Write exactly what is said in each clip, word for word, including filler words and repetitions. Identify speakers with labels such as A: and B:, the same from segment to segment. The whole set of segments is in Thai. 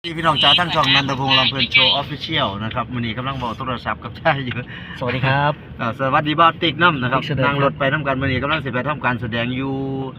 A: ที่พี่น้องจ้าทั้งช่องนันทพงษ์ลำเพลินโชว์ออฟฟิเชียลนะครับวันนี้กำลังบอกโทรศัพท์กับชายอยู่
B: สวัสดีครับ
A: สวัสดีบ้านติ๊กน้ำนะครับนั่งรถไปน้ำกันวันนี้กำลังสิไปทำการแสดงอยู่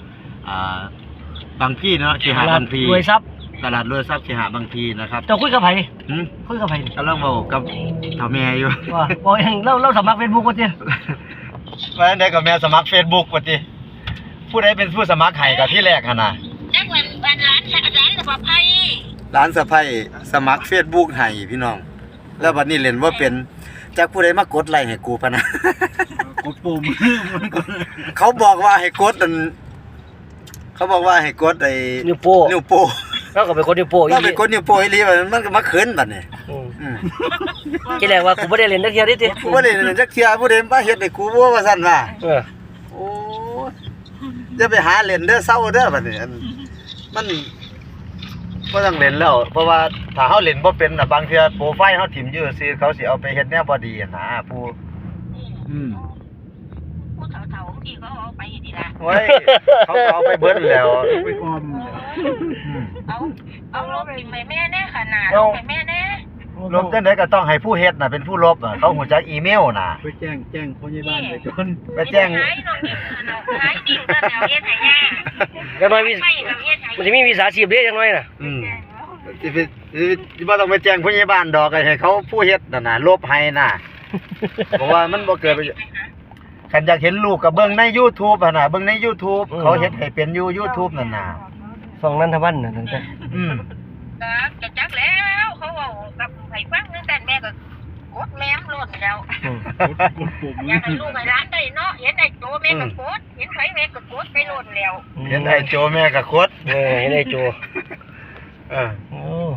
A: บางพี่เนาะเขหะบางพี
B: รวยทรัพย์
A: ตลาดรวยทรัพย์เขหะบางพีนะครับ
B: จะคุยกับใครคุยกับใคร
A: กำลังบอกกับเถ่าแม่อยู่
B: ว่าบอกเองเล่าเล่าสมัครเฟซบุ๊กกันจี
A: มาได้กับแม่สมัครเฟซบุ๊กกันจีผู้ใดเป็นผู้สมัครไห้กับที่แรกขนาด
C: นั่นวันวันร้านร้านสมัครไพ่
A: ร้านสะไพ่สมัครเฟซบุ๊กให้พี่น้องแล้วบัดนี้เล่นว่าเป็นจากผู้ใดมากดไลค์ให้กูพะนะ
B: กดปุ่ม
A: เขาบอกว่าให้กดอันเขาบอกว่าให้กดไอ้
B: นิ้วโป้
A: นิ้วโป้
B: แล้วก็เป็นคนนิ้วโป้
A: แล้วเป็นคนนิ้วโป้อีหลีมันก็มาเขินบัดนี้อืม
B: ที่แรกว่ากูบ่ได้เล่นจักเที่ยดิติ
A: กูบ่ได้เล่นจักเที่ยผู้ใดมาเฮ็ดให้กูบ่ว่าซั่นว่า
B: เออ
A: โอ้จะไปหาเล่นเด้อเซาเด้อบัดนี้มันบ่ต้องเล่นแล้วเพราะว่าถ้าเฮาเล่นบ่เป็นน่ะบางเทื่อโปรไฟล์เฮาถิ่มอยู่ซื่อเขาสิเอาไปเฮ็ดแนวบ่ดีนะผู้อืม
C: ผู้เฒ่าๆที่เขาเอาไปดีล่ะ
A: โอ้ยเขาเอาไปเบิดแล้วไปออม
C: เอาเอาลบไปแม่แน่ขนาดลบไปแม่แน่
A: ลบจังได๋ก็ต้องให้ผู้เฮ็ดน่ะเป็นผู้ลบน่ะเขาฮู้จักอีเมลน่ะ
B: ไปแจ้งแจ้งผู้ใหญ่บ้านไปจน
A: ไปแจ้ง
C: หายน้องนี่น่ะหายดินก็แล้วเฮ็ดให้ยาก
B: จังน้อยมีมันสิมีวิชาชีพเด้จังน้อยน่ะ
A: อืมสิสิบ่ต้องไปแจ้งผู้ใหญ่บ้านดอกให้เขาผู้เฮ็ดนั่นน่ะลบให้น่ะเพราะว่ามันบ่เกิดคันอยากเห็นลูกก็เบิ่งใน YouTube หั่นน่ะเบิ่งใน YouTube เขาเฮ็ดให้เป็นอยู่ YouTube นั่นน่ะ
B: ส่องนันทวันน่ะนั่นแต่
A: อืม
C: ก็จักแล้วเขาเว้ากับให้ฟังตั้งแต่แม่ก็กดแม่มโลดแล้วอยากให้ลูกให้หลานได้เนาะเห็นไอ้โจแม่ก็กดเห็นไผแม่ก็กดไปโลดแล้ว
A: เห็นไอ้โจแม่ก็กด
B: เออเห็นไอ้โจ
A: เออโอ้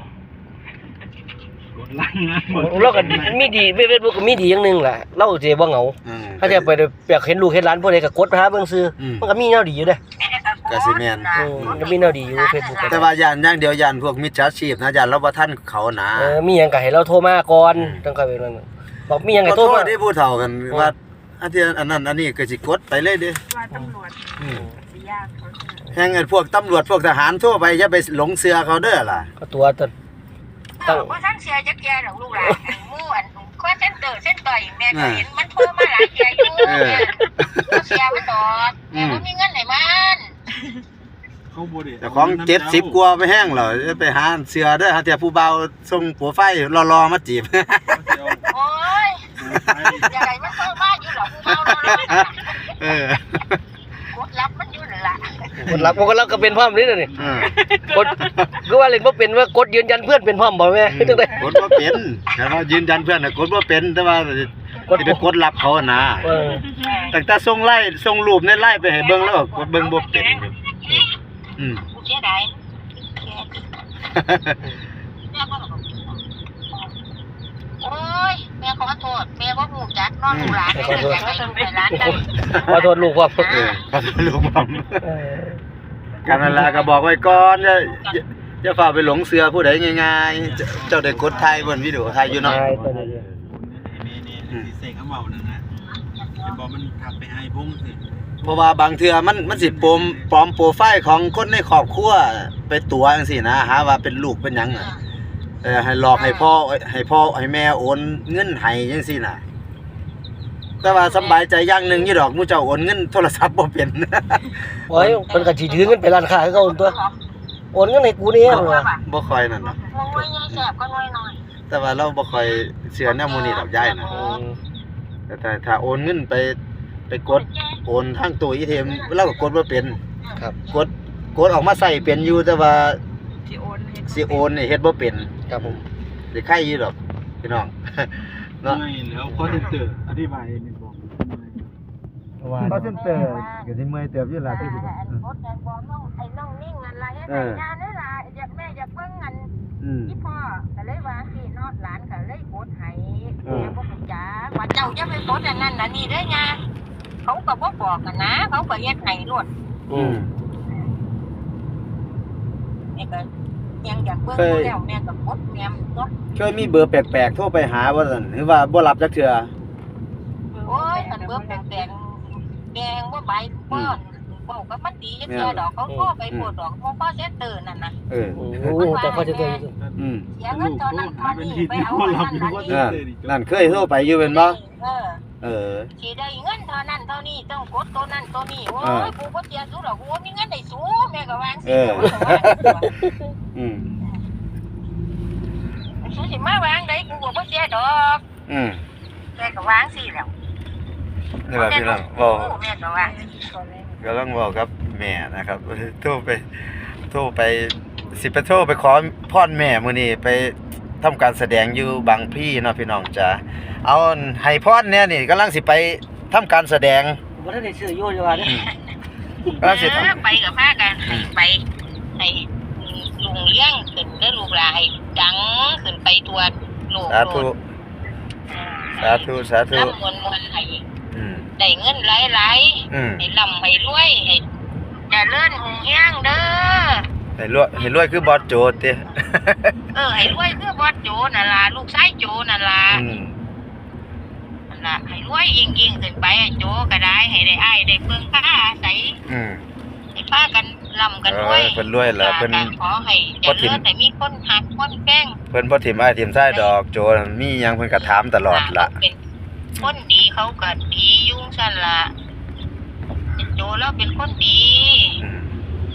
B: เราก็มีดีเฟซบุ๊กก็มีดีอย่างนึงล่ะเราสิบ่เหงาถ้าจะไปอยากเห็นลูกเห็นหลานผู้ใดก็กดหาเบิ่งซื่อมันก็มีแนวดีอยู่เด้
A: ก็สิแม่น
B: เออมันก็มีแนวดีอยู่เฟซบุ๊ก
A: แต่ว่าย่านอย่างเดียวย่านพวกมิจฉาชีพนะย่านเราบ่ทันเขานะ
B: เออมีหยังก็ให้เราโทรมาก่อนจังค่อยไปนั่นบอกมีหยังให้โทรมา
A: ได้ผู้เฒ่ากันว่าอันที่อันนั้นอันนี้ก็สิกดไปเลยเด้
C: ว่าตำรวจอืมสิยากเขา
A: แห่งไอ้พวกตำรวจพวกทหารทั่วไปอย่าไปหลงเชื่อเขาเด้อล่ะ
B: ก็ตัวตน
C: ตั้งบ่ทันเชื่อจักแก่ดอกลูกหลานหมู่อันคอเซ็นเตอร์เซ็นต่อยแม่ก็เห็นมันโทรมาหลายเที่ยอยู่เออเสียมันดอกแม่บ่มีเงินให้มัน
A: แต่ของเจ็ดสิบกว่าไปแห้งเหรอจะไปหาเสือเด้อหาแต่ผู้เบาส่งผัวไฟรอๆมาจีบ
C: โอ้ยอย่าให้มันโทรมาอยู่หรอกผู้เบารอๆเออกดรับมันอยู่นั่นล่ะ
B: กดรับบ่กดรับก็เป็นพร้อมนี่น่ะนี่กดคือว่าเล่นบ่เป็นว่ากดยืนยันเพื่อนเป็นพร้อมบ่แม่จังได๋
A: กดบ่เป็นแต่ว่ายืนยันเพื่อนน่ะกดบ่เป็นแต่ว่ากดไปกดรับเขานะเออตั้งแต่ส่งไลน์ส่งรูปในไลน์ไปให้เบิ่งแล้วกดเบิ่งบ่เป็นอืม
C: เสียดายโอ้ยแม่ขอโทษแม่บ่ฮู้จักน้องหลานแม่ก็อยากให้ลูกให้หลานได้
B: ขอโทษลูกครับ
A: เออขอโทษลูกผมการเวลาก็บอกไว้ก่อนอย่าอย่าฝ่าไปหลงเสือผู้ใดง่ายๆเจ้าได้กดถ่ายบนวิดีโอถ่ายอยู่เนาะ
D: นี่ๆสิเสกเขาเว้านั่นนะสิบอกมันทักไปให้พงสิ
A: เพราะว่าบางเทื่อมันมันสิปลอมปลอมโปรไฟล์ของคนในครอบครัวไปตัวจังซี่นะหาว่าเป็นลูกเป็นหยังน่ะเออให้หลอกให้พ่อให้พ่อให้แม่โอนเงินให้จังซี่น่ะแต่ว่าสบายใจอย่างนึงอยู่ดอกหมู่เจ้าโอนเงินโทรศัพท์บ่เป็น
B: โอ้ยเพิ่นก็สิถือเงินไปร้านค้าคือเก่าตัวโอนเงินให้กูนี่ว่า
A: บ่ค่อยนั่นน่ะ
C: น้อยๆแซ่บก็น้อย
A: ๆแต่ว่าเราบ่ค่อยเชื่อแนวหมู่นี้ดอกยายน่ะแต่ถ้าถ้าโอนเงินไปไปกดโอนทางตู้ อี ที เอ็ม เราก็กดบ่เป็น
B: ครับ
A: กดกดออกมาใช้เป็นอยู่แต่ว่าสิโอนสิโอนนี่เฮ็ดบ่เป็น
B: ครับผม
A: สิไข่อยู่ดอกพี่น้อง
D: เนาะแล้วคอเซ็นเตอร์อธิบายนิดบ่
A: ว่าคอเซ็นเตอร์ก็สิเมื่อยเติบอยู่ล่ะที่สิ
C: กดแต่บ่น้องไอ้น้องนิ่งนั่นล่ะเฮ็ดให้งานนั่นล่ะอยากแม่อยากเบิ่งอันอีพ่อก็เลยว่าสิเนาะหลานก็เลยกดให้แม่บ่รู้จักว่าเจ้าอย่าไปกดอันนั้นอันนี้เด้อย่าเขาก็บ่บอกกันนะเขาก็เฮ็ดให้โลด
A: อืม
C: แม่ก็ยังอยากเบิ่งแล้วแม่ก็กดแม่เนาะ
A: เคยมีเบอร์แปลกๆโทรไปหาบ่ซั่นหรือว่าบ่รับจักเทื่อ
C: โอ้ยคันเบอร์แปลกๆแดงบ่ใบบ่เว้ากับมันดีจังซี่ดอกเขาโทรไปโพดดอกบ่พอเซ็นเตอร์นั่นน่ะ
A: เออ
B: โอ้แต่พอจะเจออยู่
A: อืม
C: เสียเงินเท่านั้นเท่านี้ไปเอาอันนั้นอัน
A: เอ
C: นี้
A: อนั่นเคยโทรไปอยู่เป็นบ่
C: เออ
A: เออ
C: สิได้เงินเท่านั้นเท่านี้ต้องกดตัวนั้นตัวนี้โอ้ยกูบ่เสียสู้ดอกกูมีเงินได้สู้แม่ก็วางสิ
A: อืม
C: สู้สิมาวางได้กูก็บ่เสียดอก
A: อืม
C: แม่ก็วางสิแล้ว
A: นี่แหละพี่น้องบอก
C: แม่ก็วาง
A: กำลังบอกกับแม่นะครับโทรไปโทรไปสิไปโทรไปขอพรแม่มื้อนี้ไปทำการแสดงอยู่บางพี่เนาะพี่น้องจ๋าเอาให้พรเนี่ยนี่กำลังสิไปทำการแสดง
B: บ่ทันได้ซื้ออยู่จังว่าเด้
A: กำลังสิทำ
C: ไปกับพากันให้ไปให้ลุงเลี้ยงขึ้นได้ลูกหลานให้ดังขึ้นไปตัวโลก
A: สาธุสาธุสาธุ
C: รับมวลมวลให้
A: อืม
C: ได้เงินหลาย
A: อืม
C: ๆให้ร่ำให้รวยให้เจริญหุ่งเฮียงเด้อ
A: ให้รวยให้รวยคือบอสโจติ
C: เออให้รวยคือบอสโจนั่นล่ะลูกชายโจนั่นล่ะ
A: อืม
C: นั่นล่ะให้รวยยิ่งๆขึ้นไปอะโจก็ได้ให้ได้อ้ายได้เพิ่งพาอาศัย
A: อืม
C: ให้พากันร่ำกันรวย
A: เออเพิ่นรวยแล้วเพิ่น
C: ขอให้เจริญให้มีคนหักคนแป้ง
A: เพิ่นบ่ถิ่มอ้ายถิ่มซ้ายดอกโจมีหยังเพิ่นก็ถามตลอดล่ะ
C: เป็นคนดีเขาก็ดียุ่งซั่นล่ะโจแล้วเป็นคนดี
A: อืม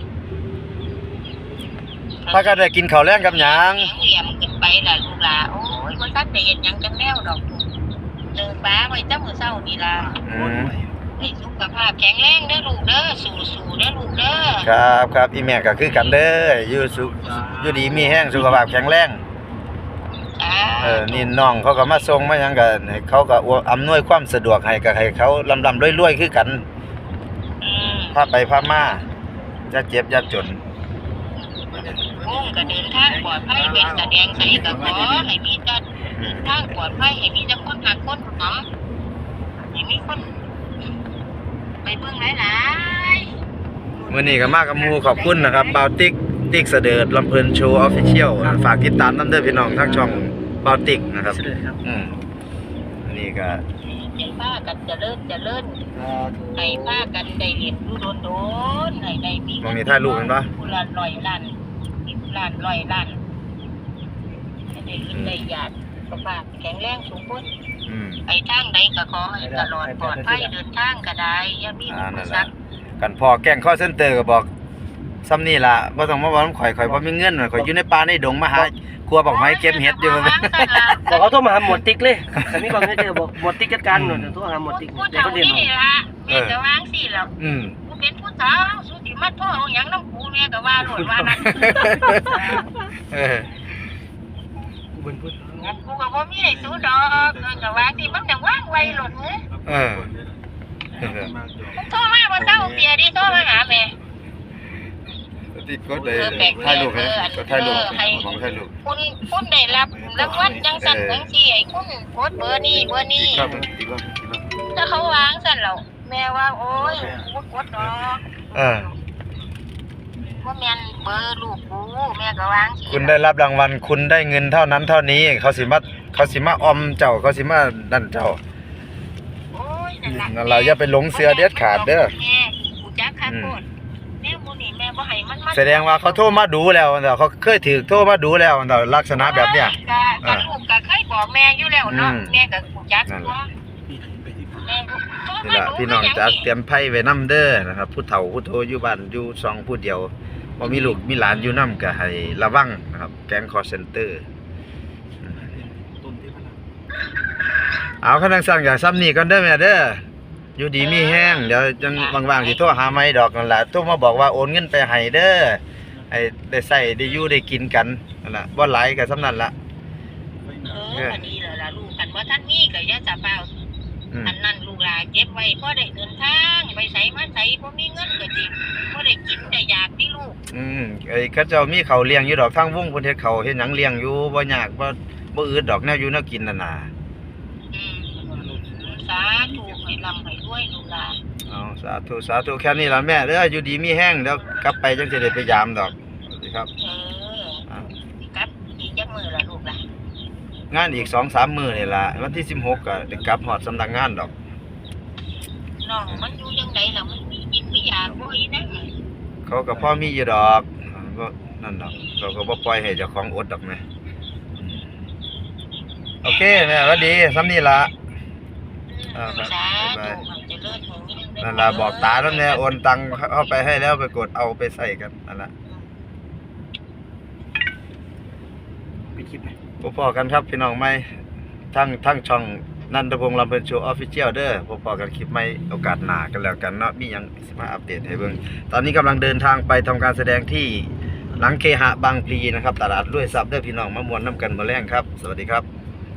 A: พากันได้กินข้าวแลงกับหยัง
C: เหลี่ยมขึ้นไปล่ะลูกหลาโอ้ยบ่ทันได้เฮ็ดหยังจังแนวดอกเดินป้าไว้แต่มื้อเช้านี่ล่ะ
A: อืม
C: ให้สุขภาพแข็งแรงเด้อลูกเด้อสู้ๆเด้อลูกเด้อ
A: ครับครับอีแม่ก็คือกันเด้ออยู่สุอยู่ดีมีแห้งสุขภาพแข็งแรง
C: จ้า
A: เออนี่น้องเขาก็มาส่งมาหยังก็ให้เขาก็อำนวยความสะดวกให้ก็ให้เขาลำๆรวยๆคือกัน
C: อืม
A: พาไปพามาอย่าเจ็บอย่าจน
C: วงก็เดินทางปลอดภัยเป็นแสดงใส่ก็ขอให้มีแต่เดินทางปลอดภัยให้มีแต่คนหักคนหอมให้มีคนไปเบิ่งหลายๆ
A: มื้อนี้ก็มากับหมู่ขอบคุณนะครับบาวติ๊กติ๊กเสดิร์ดลำเพิ่นโชว์ออฟฟิเชียลฝากติดตามนำเด้อพี่น้องทางช่องบาวติ๊กนะครับ
B: เสด็จครับ
A: อืมอันนี้ก็
C: ให้ป้ากันเจริญเจริญให้ป้ากันได้เรียนรู้โดนๆให้ได้มี
A: มองนี่ถ่ายรูปเห็นปะ
C: ผู้ละร้อยล้านสิบล้านร้อยล้านให้ได้ยินได้ญาติสุขภาพแข็งแรงสูงพ้น
A: อืม
C: ไปทางใดก็ขอให้ตลอดปลอดภัยเดินทางก็ได้อย่ามี
A: อ่า
C: อุป
A: นั่น
C: สร
A: ล่ะ
C: รค
A: กันพอแกล้ง call center ก็บอกซ้ำนี่ล่ะบ่ต้องมาเว้าข่อยข่อยบ่มีเงินข่อยอยู่ในป่าในดงมาหาครัวบอกไม้เก็บเห็ดอยู่
B: บอกเขาโทรมาหาหมวดติ๊กเลยแต่มีความเจอบอกหมวดติ๊กจัดการหน่อยโทรหาหมวดติ๊ก
C: พูด
B: เดี๋ยว
C: เท่า
B: เขาเรียน
C: นี้
B: เอา
C: ล่ะแม่ก็วางสิแล้ว
A: อืม
C: กูเป็นผู้สาวสุติมาโทษเอาหยังน้ำกูแม่ก็ว่าโลดว่านั่น
A: เออ
B: เป็นพูด
C: งั้นกูก็บ่มีให้สู้ดอกเออก็ว่าสิมันจังว่างไวโลดเอ้ย
A: เออ
C: มึงโทรมาบ่เศร้าเปียดิโทรมาหาแม่
A: ติดกดเลยถ่ายรูปให้ก็ถ่ายรูปของถ่ายรูป
C: คุณคุณได้รับรางวัลจังสั่นจังซี่ให้คุณกดเบอร์นี้เบอร์นี้
A: ครับติดว่า
C: ถ้าเขาวางสั่นแล้วแม่ว่าโอ้ยกูบ่กดดอก
A: เออ
C: บ่แม่นเบอร์ลูกกูแม่ก็วางสิ
A: คุณได้รับรางวัลคุณได้เงินเท่านั้นเท่านี้ เขาสิมาเขาสิมาออมเจ้าเขาสิมานั่นเจ้า
C: โอ้ยนั่นล่ะ
A: นั่นเราอย่าไปหลงเสือเด็ดขาดเด้อ
C: แม่กูจักคักโคตรแม่มูนี่แม่บ่ให้มันมา
A: แสดงว่าเขาโทรมาดูแล้วเนาะเขาเคยถือโทรมาดูแล้วเนาะลักษณะแบบเนี้ย
C: ก็ก็ลูกก็เคยบอกแม่อยู่แล้วเนาะ
A: อืม
C: แม่ก็กูจัก
A: นั่น
C: ตัวแม่ก็โทร
A: นี่
C: มา
A: ล่ะ
C: ดู
A: พี่น้อง
C: คือห
A: จะ
C: ยัง
A: เตรียมไพ่ไว้นำเด้อนะครับผู้เฒ่าผู้โตอยู่บ้านอยู่สองผู้เดียวบ่มีลูกมีหลานอยู่นำก็ให้ระวังนะครับแก๊ง call center เอาคันจังซั่นก็ซ้ำนี้ก่อนเด้อแม่เด้ออยู่ดีมีแห้งเดี๋ยวจังว่างๆสิโทรหาใหม่ดอกนั่นล่ะโทรมาบอกว่าโอนเงินไปให้เด้อให้ได้ใช้ได้อยู่ได้กินกันนั่นล่ะบ่หลายก็ส่ำนั้นล่ะ
C: เออก็ดีแล้วล่ะลูกคันว่าท่านมีก็อย่าจะเฝ้า
A: อืม
C: อันนั้นลูกหลานเก็บไว้พอได้เดินทางไปไสมาไสบ่มีเงินก็จริงบ่ได้กินได้อยากที่ลูก
A: อืมไอ้เขาเจ้ามีข้าวเลี้ยงอยู่ดอกทางวงเพิ่นเฮ็ดข้าวเฮ็ดหยังเลี้ยงอยู่บ่ยากบ่บ่อืดดอกแนวอยู่แนวกินนั่นน่ะ
C: อืมสาธุให้ร่ำให้รวยลูกหลาน
A: เอาสาธุสาธุแค่นี้ล่ะแม่เด้ออยู่ดีมีแห้งเดี๋ยวกลับไปจังสิได้ไปยามดอกสวัสดีครับ
C: เออสิกลับอีกจักมื้อละลูกหลาน
A: งานอีก สองสาม มื้อนี่ล่ะวันที่สิบหกก็ได้กลับฮอดสำนักงานดอก
C: น้องมันอยู่จังไดล่ะมันมีกินมีมีอยากบ่อีนั่น
A: เขาก็พ่อมีอยู่ดอกก็นั่นดอกเขาก็บ่ปล่อยให้เจ้าของอดดอกแม่โอเคแม่สวัสดีซ้ำนี่ล่ะอ่าครับบ๊ายบายนั่นล่ะบอกตาแล้วแน่โอนตังค์เข้าไปให้แล้วไปกดเอาไปใส่กันนั่นล่ะไปคลิปพอๆกันครับพี่น้องใหม่ทั้งทั้งช่องนันทพงษ์ลำเพิ่นโชว์ Official เด้อพอๆกันคลิปใหม่โอกาสหน้ากันแล้วกันเนาะมีหยังสิมาอัปเดตให้เบิ่งตอนนี้กำลังเดินทางไปทำการแสดงที่หลังเคหะบางพลีนะครับตลาดรวยทรัพย์เด้อพี่น้องมามวนน้ำกันมื้อแรงครับสวัสดีครับ